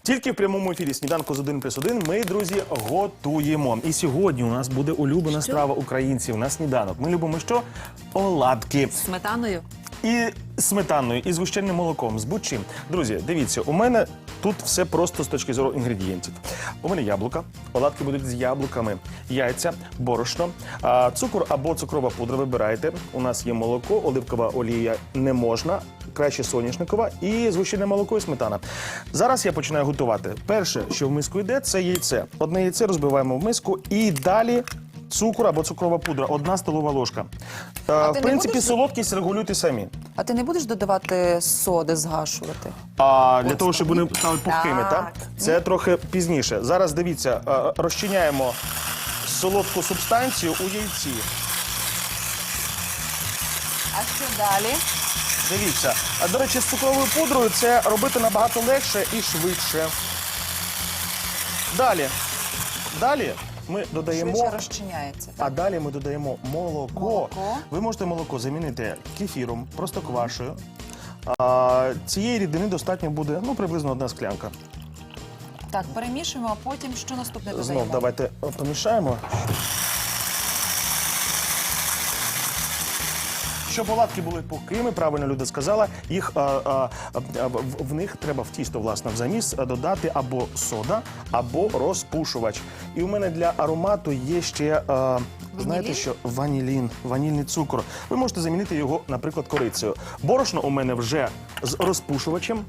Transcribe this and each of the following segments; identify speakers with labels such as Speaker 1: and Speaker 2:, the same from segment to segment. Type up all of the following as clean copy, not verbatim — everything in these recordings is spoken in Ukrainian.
Speaker 1: Тільки в прямому ефірі «Сніданку з 1+1» ми, друзі, готуємо. І сьогодні у нас буде улюблена страва українців на сніданок. Ми любимо що? Оладки.
Speaker 2: З сметаною?
Speaker 1: І сметаною, і згущеним молоком, з будь-чим. Друзі, дивіться, у мене тут все просто з точки зору інгредієнтів. У мене яблука, оладки будуть з яблуками, яйця, борошно, цукор або цукрова пудра вибирайте. У нас є молоко, оливкова олія не можна, краще соняшникова і згущене молоко і сметана. Зараз я починаю готувати. Перше, що в миску йде, це яйце. Одне яйце розбиваємо в миску і далі цукор або цукрова пудра, 1 столова ложка. В принципі, солодкість регулюйте самі.
Speaker 2: А ти не будеш додавати соди, згашувати?
Speaker 1: Для того, щоб вони стали пухкими, так? Це трохи пізніше. Зараз, дивіться, розчиняємо солодку субстанцію у яйці.
Speaker 2: А що далі?
Speaker 1: Дивіться. До речі, з цукровою пудрою це робити набагато легше і швидше. Далі ми додаємо...
Speaker 2: Швидше розчиняється.
Speaker 1: А далі ми додаємо молоко. Ви можете молоко замінити кефіром, простоквашею. Цієї рідини достатньо буде, приблизно 1 склянка.
Speaker 2: Так, перемішуємо, а потім що наступне додаємо?
Speaker 1: Знов давайте помішаємо. Щоб оладки були пухкими, правильно Люда сказала, в них треба в тісто, власне, в заміс додати або сода, або розпушувач. І у мене для аромату є ще, знаєте що, ванільний цукор. Ви можете замінити його, наприклад, корицею. Борошно у мене вже з розпушувачем.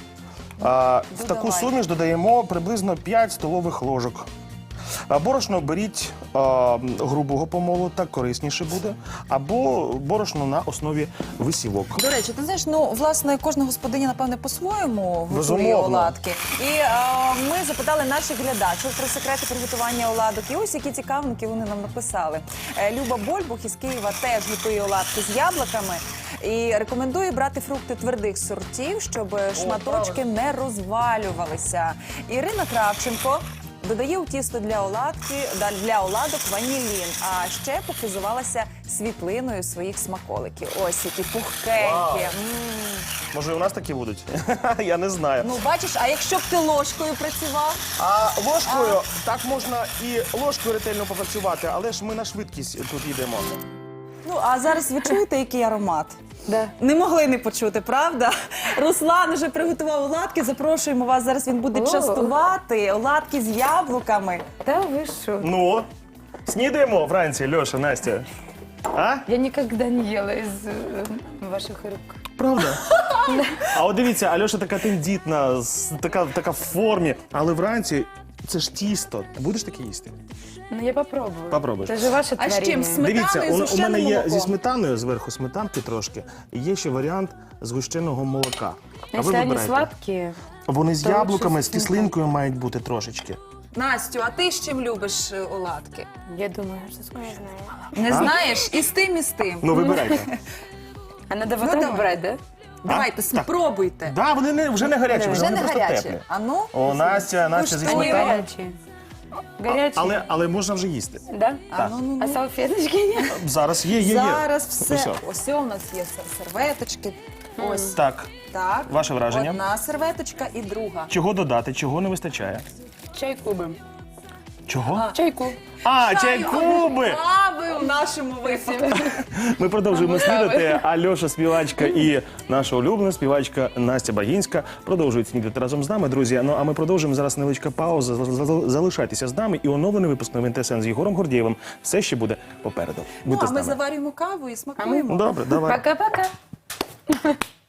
Speaker 1: В таку суміш додаємо приблизно 5 столових ложок. Борошно беріть грубого помолу, так корисніше буде, або борошно на основі висівок.
Speaker 2: До речі, ти знаєш, власне, кожна господиня, напевне, по-своєму готує
Speaker 1: Безумовно.
Speaker 2: оладки. І ми запитали наших глядачів про секрети приготування оладок. І ось які цікавинки вони нам написали. Люба Больбух із Києва теж готує оладки з яблуками. І рекомендує брати фрукти твердих сортів, щоб шматочки не розвалювалися. Ірина Кравченко додає у тісто для оладок ванілін, а ще похизувалася світлиною своїх смаколиків. Ось які пухкенькі.
Speaker 1: Може, і у нас такі будуть? Я не знаю.
Speaker 2: Бачиш, а якщо б ти ложкою працював?
Speaker 1: Ложкою, так можна і ложкою ретельно попрацювати, але ж ми на швидкість тут йдемо.
Speaker 2: А зараз ви чуєте, який аромат?
Speaker 3: Да.
Speaker 2: Не могли не почути, правда? Руслан вже приготував оладки, запрошуємо вас, зараз він буде частувати оладки з яблуками.
Speaker 3: Да вы шо?
Speaker 1: Снідаємо вранці, Льоша, Настя?
Speaker 3: Я никогда не ела из ваших рук.
Speaker 1: Правда? А от дивіться, Альоша така тендітна, така в формі, але вранці це ж тісто. Будеш таке їсти?
Speaker 3: Ну, я попробую.
Speaker 1: Попробуєш.
Speaker 3: Это же ваше
Speaker 2: А з
Speaker 3: творение.
Speaker 2: чим? Сметаною,
Speaker 1: Дивіться, у
Speaker 2: згущеним
Speaker 1: мене є
Speaker 2: молоком?
Speaker 1: зі сметаною, зверху сметанки трошки, і є ще варіант згущеного молока. А ви
Speaker 3: Если они
Speaker 1: вибирайте.
Speaker 3: сладкие,
Speaker 1: Вони з
Speaker 3: то
Speaker 1: яблуками,
Speaker 3: лучше
Speaker 1: з кислинкою мають бути трошечки.
Speaker 2: Настю, а ти з чим любиш оладки?
Speaker 3: я думаю, что скоро знаю.
Speaker 2: Не знаєш? І з тим, і з тим.
Speaker 1: Вибирайте.
Speaker 3: А надо вот
Speaker 2: давай.
Speaker 3: так брать, да?
Speaker 2: Давайте, спробуйте.
Speaker 1: Так, вони вже не гарячі,
Speaker 2: Вже
Speaker 1: вони
Speaker 2: не
Speaker 1: просто
Speaker 2: гарячі.
Speaker 1: теплі.
Speaker 2: А ну?
Speaker 1: О, Настя зі
Speaker 2: Куштуй.
Speaker 3: Они
Speaker 1: сметаною.
Speaker 3: горячие. Горячие.
Speaker 1: Але можна вже їсти.
Speaker 3: Да?
Speaker 1: Так.
Speaker 3: А салфеточки нет?
Speaker 1: Зараз є.
Speaker 2: Зараз все.
Speaker 1: Ось.
Speaker 2: Ось у нас є серветочки. Ось
Speaker 1: Так,
Speaker 2: так.
Speaker 1: ваше враження?
Speaker 2: Одна серветочка і друга.
Speaker 1: чого додати, чого не вистачає?
Speaker 3: Чайкубы.
Speaker 1: Чого?
Speaker 3: Чайку.
Speaker 1: Чайкуби!
Speaker 2: Кави у нашому випадку.
Speaker 1: Ми продовжуємо снідати. Альоша співачка і наша улюблена співачка Настя Багінська продовжують снідати разом з нами, друзі. А ми продовжуємо зараз невеличка пауза. Залишайтеся з нами і оновлений випуск новин ТСН з Єгором Гордієвим все ще буде попереду. Будьте
Speaker 2: А
Speaker 1: з
Speaker 2: ми
Speaker 1: нами.
Speaker 2: заварюємо каву і смакуємо.
Speaker 1: Добре, давай.
Speaker 3: Пока-пока.